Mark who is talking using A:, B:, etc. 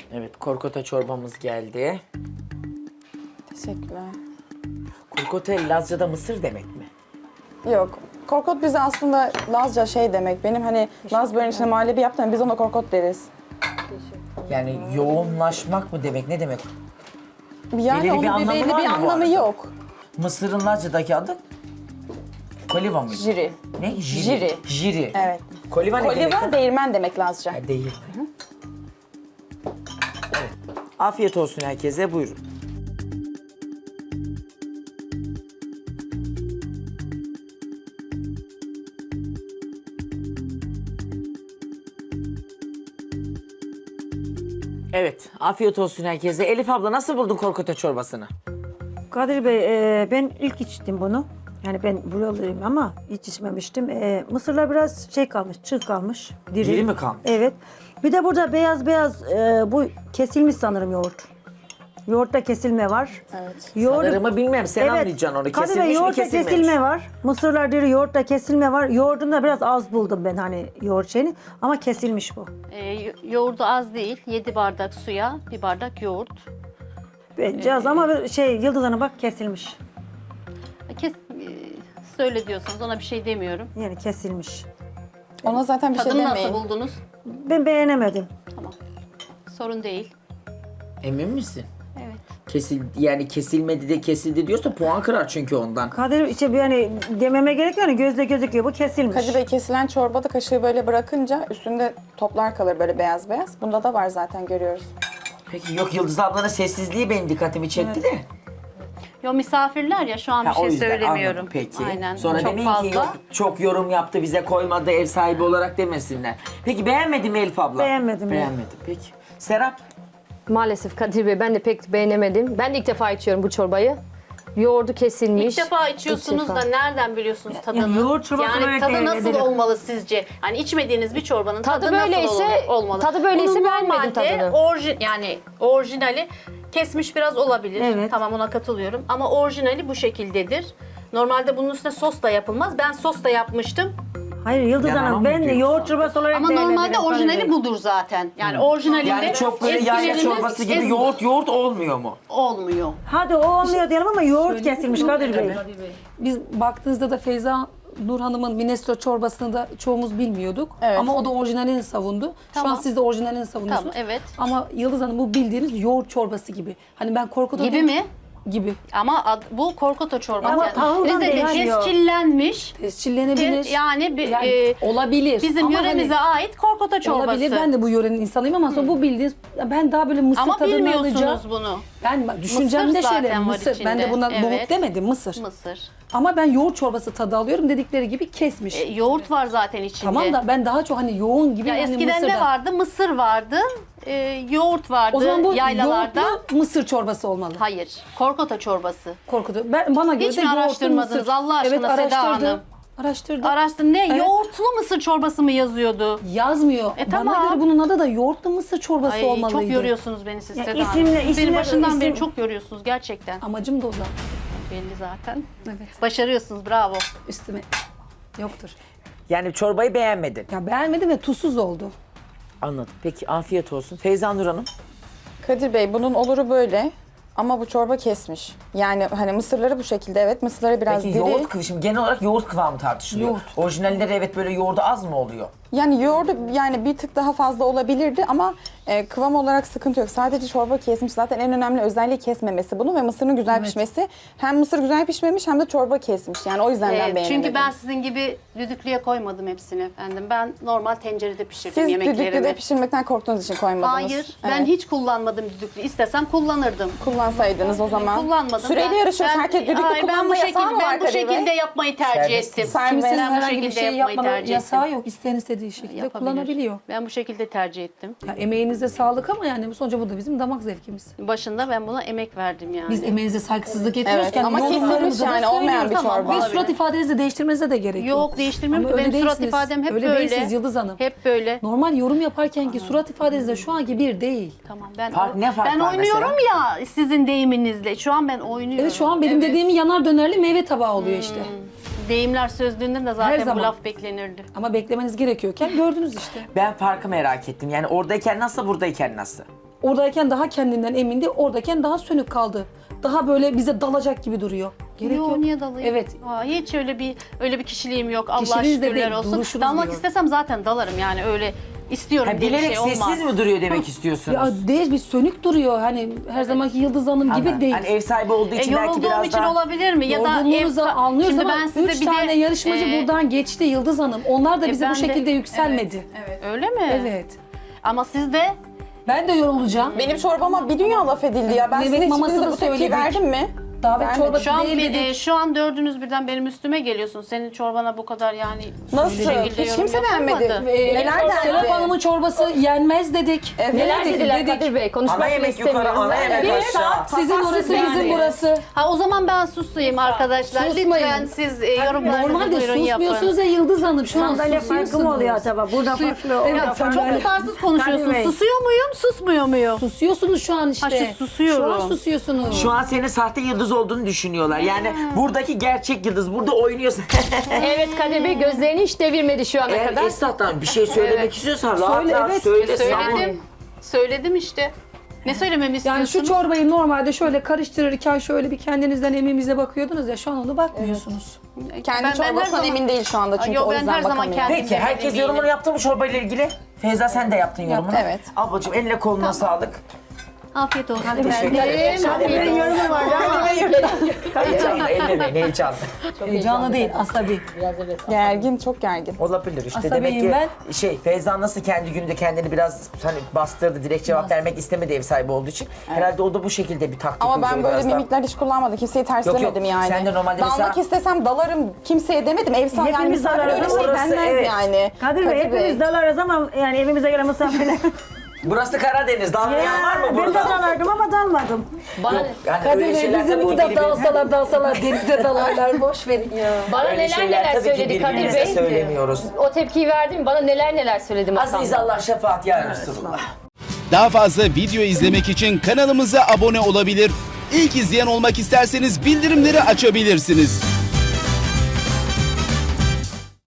A: Evet, korkota çorbamız geldi.
B: Teşekkürler.
A: Korkota Lazca'da mısır demek mi?
B: Yok. Korkot bize aslında Lazca şey demek. Benim hani Laz böreğinin içine muhallebi yaptım. Biz ona korkot deriz.
A: Yani yoğunlaşmak mı demek, ne demek?
B: Yani
A: Belirli bir
B: onun
A: anlamı
B: belli
A: var
B: bir
A: mı bu
B: anlamı
A: arada?
B: yok.
A: Mısırın Lazca'daki adı? Koliva mıydı?
B: Jiri.
A: Ne?
B: Jiri.
A: Jiri.
B: Evet.
A: Koliva ne demek?
B: Koliva değirmen demek Lazca.
A: Ha, değil. Evet. Afiyet olsun herkese, buyurun. Evet, afiyet olsun herkese. Elif abla nasıl buldun korkota çorbasını?
C: Kadir Bey, ben ilk içtim bunu. Yani ben buralıyım ama hiç içmemiştim. Mısırlar biraz şey kalmış, çığ kalmış.
A: Diri mi kalmış?
C: Evet. Bir de burada beyaz beyaz bu kesilmiş sanırım yoğurt. Yoğurtta kesilme var.
B: Evet.
A: Sanırımı bilmem, sen anlayacaksın onu.
C: Kadir Bey,
A: Kesilmiş mi,
C: yoğurtta
A: kesilmemiş?
C: kesilme var. Mısırlar diri, yoğurtta kesilme var. Yoğurdunda biraz az buldum ben hani yoğurt şeyini. Ama kesilmiş bu.
D: Yoğurdu az değil. 7 bardak suya 1 bardak yoğurt.
C: Bence az ama şey Yıldız Hanım bak kesilmiş.
D: Söyle diyorsanız ona bir şey demiyorum.
C: Yani kesilmiş.
B: Ona zaten bir şey
D: Tadını
B: demeyin.
D: nasıl buldunuz?
C: Ben beğenemedim.
D: Tamam. Sorun değil.
A: Emin misin?
D: Evet.
A: Yani kesilmedi de kesildi diyorsa puan kırar çünkü ondan.
C: Kadir işte yani dememe gerek yok yani gözle gözüküyor bu kesilmiş.
B: Kadir Bey, kesilen çorbada kaşığı böyle bırakınca üstünde toplar kalır böyle beyaz beyaz. Bunda da var zaten, görüyoruz.
A: Peki yok, Yıldız ablanın sessizliği benim dikkatimi çekti de.
D: Yo, misafirler ya, şu an bir
A: Ha, o
D: şey
A: yüzden
D: söylemiyorum.
A: anladım, peki.
D: Aynen.
A: Sonra
D: çok
A: demeyin
D: fazla.
A: ki yok, çok yorum yaptı bize koymadı ev sahibi olarak demesinler. Peki beğenmedin mi Elif abla?
C: Beğenmedim ya.
A: Beğenmedim peki. Serap?
E: Maalesef Kadir Bey ben de pek beğenemedim. Ben de ilk defa içiyorum bu çorbayı. Yoğurdu kesilmiş.
D: İlk defa içiyorsunuz
E: İlk defa.
D: da nereden biliyorsunuz tadını?
C: yani yoğurt çorbası
D: yani
C: olarak
D: tadı nasıl
C: değerlendirin.
D: olmalı sizce? Yani içmediğiniz bir çorbanın tadı,
E: Tadı böyleyse-
D: nasıl olmalı?
E: tadı böyleyse
D: Bunun
E: beğenmedim
D: normalde
E: tadını.
D: yani orijinali kesmiş biraz olabilir.
C: Evet.
D: Tamam, ona katılıyorum. Ama orijinali bu şekildedir. Normalde bunun üstüne sos da yapılmaz. Ben sos da yapmıştım.
C: Hayır Yıldız
A: Yalan
C: Hanım
A: mı
C: ben de
A: diyorsun?
C: yoğurt çorbası olarak
D: Ama normalde
C: değerlendiriyorum Kadir
D: orijinali
C: Bey.
D: budur zaten. Yani orijinalinde
A: Yani çok böyle yayla
D: eskilerimiz
A: çorbası gibi yoğurt olmuyor mu?
D: olmuyor.
C: Hadi o olmuyor diyelim ama yoğurt kesilmiş Kadir Bey.
F: Biz baktığınızda da Feyza Nur Hanım'ın minestrone çorbasını da çoğumuz bilmiyorduk.
B: Evet.
F: Ama o da orijinalini savundu. Şu
D: Tamam.
F: an siz de orijinalini savunuyorsunuz.
D: Tamam, evet.
F: Ama Yıldız Hanım bu bildiğiniz yoğurt çorbası gibi. Hani ben korkuda
D: Gibi mi?
F: Gibi.
D: Ama bu korkoto çorbası.
C: Ama
D: Yani
C: tahıldan
D: Rize'de
C: değil, yani.
D: tescillenmiş.
F: Tescillenebilir.
D: Yani
F: olabilir.
D: bizim
F: Ama
D: yöremize ait korkoto çorbası.
F: olabilir. Ben de bu yörenin insanıyım ama sonra bu bildiğiniz ben daha böyle mısır
D: Ama
F: tadını
D: bilmiyorsunuz
F: alacağım.
D: bunu.
F: Ben düşüncemde
D: Mısır
F: şöyle
D: zaten var
F: mısır. Ben de
D: içinde.
F: buna
D: Evet.
F: nohut demedim mısır.
D: Mısır.
F: Ama ben yoğurt çorbası tadı alıyorum dedikleri gibi kesmiş.
D: Yoğurt var zaten içinde.
F: Tamam da ben daha çok hani yoğun gibi
D: Ya
F: hani
D: eskiden ne
F: mısırdan.
D: vardı? Mısır vardı. Yoğurt vardı
F: O zaman bu
D: yaylalarda.
F: yoğurtlu mısır çorbası olmalı.
D: Hayır. Korkoto çorbası.
F: Korkutu. Bana göre
D: Hiç
F: de
D: mi
F: yoğurtlu
D: araştırmadınız
F: mısır.
D: Allah aşkına
F: Evet,
D: Seda
F: araştırdım.
D: Hanım?
F: Araştırdım.
D: Araştırın. Ne?
F: Evet.
D: Yoğurtlu mısır çorbası mı yazıyordu?
F: Yazmıyor.
D: Tamam.
F: Bana göre bunun adı da yoğurtlu mısır çorbası
D: Ay,
F: olmalıydı.
D: çok yoruyorsunuz beni siz
C: Ya
D: Seda Hanım.
C: isimle-
D: Siz beni
C: isimle-
D: başından beri
C: isim-
D: çok yoruyorsunuz gerçekten.
F: Amacım da o zaten.
D: Belli zaten.
F: Evet.
D: Başarıyorsunuz, bravo.
F: Üstüme yoktur.
A: Yani çorbayı beğenmedin.
F: Ya beğenmedim ve tuzsuz oldu.
A: Anladım. Peki afiyet olsun. Feyza Nur Hanım.
B: Kadir Bey, bunun oluru böyle ama bu çorba kesmiş. Yani hani mısırları bu şekilde, evet, mısırları biraz
A: Peki
B: diri.
A: yoğurt şimdi genel olarak yoğurt kıvamı tartışılıyor.
F: Yoğurt.
A: Orijinalleri evet böyle yoğurdu az mı oluyor?
B: Yani yoğurdu yani bir tık daha fazla olabilirdi ama kıvam olarak sıkıntı yok. Sadece çorba kesmiş. Zaten en önemli özelliği kesmemesi bunu ve mısırın güzel pişmesi. Hem mısır güzel pişmemiş hem de çorba kesmiş. Yani o yüzden ben beğenemedim.
D: Çünkü ben sizin gibi düdüklüye koymadım hepsini efendim. Ben normal tencerede pişirdim
B: Siz
D: yemeklerimi.
B: düdüklüde pişirmekten korktuğunuz için koymadınız.
D: Hayır, ben
B: Evet.
D: hiç kullanmadım düdüklü. İstesem kullanırdım.
B: Kullansaydınız o zaman.
D: Kullanmadım.
B: Süreyle yarışıyoruz. Herkes düdüklü
D: hayır,
B: kullanma yasağı mı var
D: Ben bu
B: Kadir Bey?
D: şekilde yapmayı tercih
A: Serbest.
D: ettim.
B: Serbest.
F: Kimsenin
D: Ben bu
F: herhangi bir
D: şekilde
F: şey
D: yapmayı
F: yapmanın
D: tercih
F: yasağı
D: ettim.
F: yok. İsteyen istediği şekilde
D: Yapabilir.
F: kullanabiliyor.
D: Ben bu şekilde tercih ettim.
F: Ya emeğinize sağlık ama yani sonuçta bu da bizim damak zevkimiz.
D: Başında ben buna emek verdim yani.
F: Biz emeğinize saygısızlık etmiyoruz.
B: Evet,
F: Yani
B: ama kesilmiş
F: yorumlarımızda da
B: yani olmayan bir
F: söylüyoruz.
B: çorba.
F: Ve surat ifadenizi değiştirmenize de gerek yok.
D: Yok, değiştirmiyorum
F: Ama
D: ki.
F: öyle
D: Benim surat
F: değilsiniz.
D: ifadem hep
F: Öyle
D: böyle.
F: değilsiniz Yıldız Hanım.
D: Hep böyle.
F: Normal yorum yaparken ki surat ifadenizle şu anki bir değil.
D: Tamam,
A: Ne fark
D: ben
A: var
D: oynuyorum
A: mesela?
D: ya sizin deyiminizle. Şu an ben oynuyorum.
F: Evet şu an benim dediğim yanar dönerli meyve tabağı oluyor işte.
D: Deyimler sözlüğünden de
F: Her
D: zaten bu
F: zaman.
D: laf beklenirdi.
F: Ama beklemeniz gerekiyorken gördünüz işte.
A: Ben farkı merak ettim. Yani oradayken nasıl, buradayken nasıl?
F: Oradayken daha kendinden emindi, oradayken daha sönük kaldı. Daha böyle bize dalacak gibi duruyor. Gerek
D: Yo,
F: yok.
D: niye dalayım?
F: Evet.
D: Aa, hiç öyle bir kişiliğim yok. Allah
F: Kişiliğiniz de
D: şükürler
F: değil,
D: olsun.
F: duruşunuz
D: Dalmak
F: diyor.
D: istesem zaten dalarım yani öyle istiyorum
A: Ha,
D: diye bir
A: bilerek
D: şey olmaz.
A: sessiz mi duruyor demek istiyorsunuz?
F: Ya değil, bir sönük duruyor. Hani her zamanki Yıldız Hanım gibi
A: Ama
F: değil.
A: Hani ev sahibi olduğu için belki
D: Yorulduğum
A: biraz
D: için
A: daha...
D: olabilir mi? Ya da
F: Yorgunluğunuzu anlıyoruz
D: Şimdi
F: ama
D: ben size
F: 3
D: bir
F: tane
D: de,
F: yarışmacı buradan geçti Yıldız Hanım. Onlar da bize
D: ben
F: bu
D: de-
F: şekilde yükselmedi.
D: Öyle mi?
F: Evet.
D: Ama siz de
F: Ben de yorulacağım.
B: Benim çorbama bir dünya laf edildi ya. Ben
F: Mehmet
B: size
F: maması
B: hiçbirinize
F: da
B: bu tepkiyi
F: söyledik.
B: verdim mi?
F: Davet
B: Vermedim.
F: çorbası
D: şu an
F: değil dedik.
D: şu an dördünüz birden benim üstüme geliyorsun. Senin çorbana bu kadar yani
B: Nasıl?
D: şekilde
B: Hiç
D: yorum
B: kimse
D: yapılmadı.
B: beğenmedi. Neler
F: Serap
B: dendi?
F: Hanım'ın çorbası yenmez dedik.
B: Evet.
E: Neler
F: dedik,
E: dediler
F: dedik.
E: Kadir Bey? Konuşmak
A: Ana
E: bile
A: yemek yukarı,
E: istemiyorum.
A: ana yemek
E: Bir
A: aşağı.
F: Sizin orası
D: yani.
F: bizim burası.
D: Ha o zaman ben susayım arkadaşlar.
F: Susmayın.
D: Lütfen siz yorumlarınızı
F: Normalde
D: buyurun yapın.
F: susmuyorsunuz ya Yıldız Hanım. Şu an
C: Sandalye farkı
F: susuyorsunuz.
C: mı oluyor acaba? Burada farklı, orada
F: Evet,
C: farklı.
D: Çok tutarsız konuşuyorsun.
C: Kadir Bey.
D: Susuyor muyum, susmuyor muyum?
F: Susuyorsunuz şu an işte.
D: Ha, susuyorum.
F: Şu an susuyorsunuz.
A: Şu an senin sahte yıldız olduğunu düşünüyorlar. Yani buradaki gerçek yıldız. Burada oynuyorsun.
E: Evet Kadir Bey gözlerini hiç devirmedi şu ana
A: Eğer
E: kadar.
A: Esnaf'tan bir şey söylemek
E: Evet.
A: istiyorsan rahat
F: Söyle,
A: rahat
F: evet.
A: söyle. savun.
D: Söyledim. Söyledim işte. Ne söylememi
F: Yani
D: istiyorsunuz?
F: şu çorbayı normalde şöyle karıştırırken şöyle bir kendinizden eminize bakıyordunuz ya, şu an onu bakmıyorsunuz.
B: Kendi
D: Ben her
B: çorbasından
D: zaman-
B: emin değil şu anda çünkü
D: Yo,
B: o
D: ben
B: yüzden
D: her zaman
B: bakamıyor.
D: kendim-
A: Peki herkes
D: eminim.
A: yorumunu yaptı mı çorbayla ilgili? Feyza sen de yaptın yorumunu.
B: evet.
A: Ablacığım eline koluna sağlık.
D: Afiyet olsun.
A: Teşekkür ederim.
E: Kadir Bey yorumu var ama
A: Heyecanlı, ellemeyin heyecanlı.
F: Heyecanlı değil, asabi.
B: Gergin, çok gergin.
A: Olabilir işte.
F: Asabiyim
A: Demek ki Feyza nasıl kendi gününde kendini biraz hani bastırdı, direkt cevap vermek istemedi ev sahibi olduğu için. Herhalde o da bu şekilde bir taktik
B: Ama ben
A: uyguladı
B: böyle
A: biraz daha.
B: mimikler hiç kullanmadım. Kimseyi
A: Yok, yok.
B: terslemedim yani.
A: Sen de normalde
B: Dalmak
A: mesela-
B: istesem dalarım kimseye demedim. Ev sahibi yani
C: Hepimiz
B: misafir öyle
C: dalarız.
B: şey
A: Orası
B: denmez
A: evet.
B: yani.
C: Kadir Bey hepimiz dalarız ama yani evimize gelen misafirler.
A: Burası Karadeniz. Dalmayan var mı
C: Ben de
A: burada?
C: dalardım ama dalmadım.
E: bana,
A: Yani
F: Kadir
A: öyle
F: Bey
A: şeyler
F: bizim
A: tabii ki
F: burada
A: birbirimize-
F: dalsalar denize dalarlar, boş verin ya.
E: bana
A: Öyle
E: neler
A: şeyler
E: neler
A: tabii ki
E: söyledi Kadir
A: birbirimize
E: Bey.
A: söylemiyoruz.
E: O tepkiyi verdim, bana neler söyledi masamda.
A: Aziz Allah şefaat ya Resulullah.
G: Daha fazla video izlemek için kanalımıza abone olabilir. İlk izleyen olmak isterseniz bildirimleri açabilirsiniz.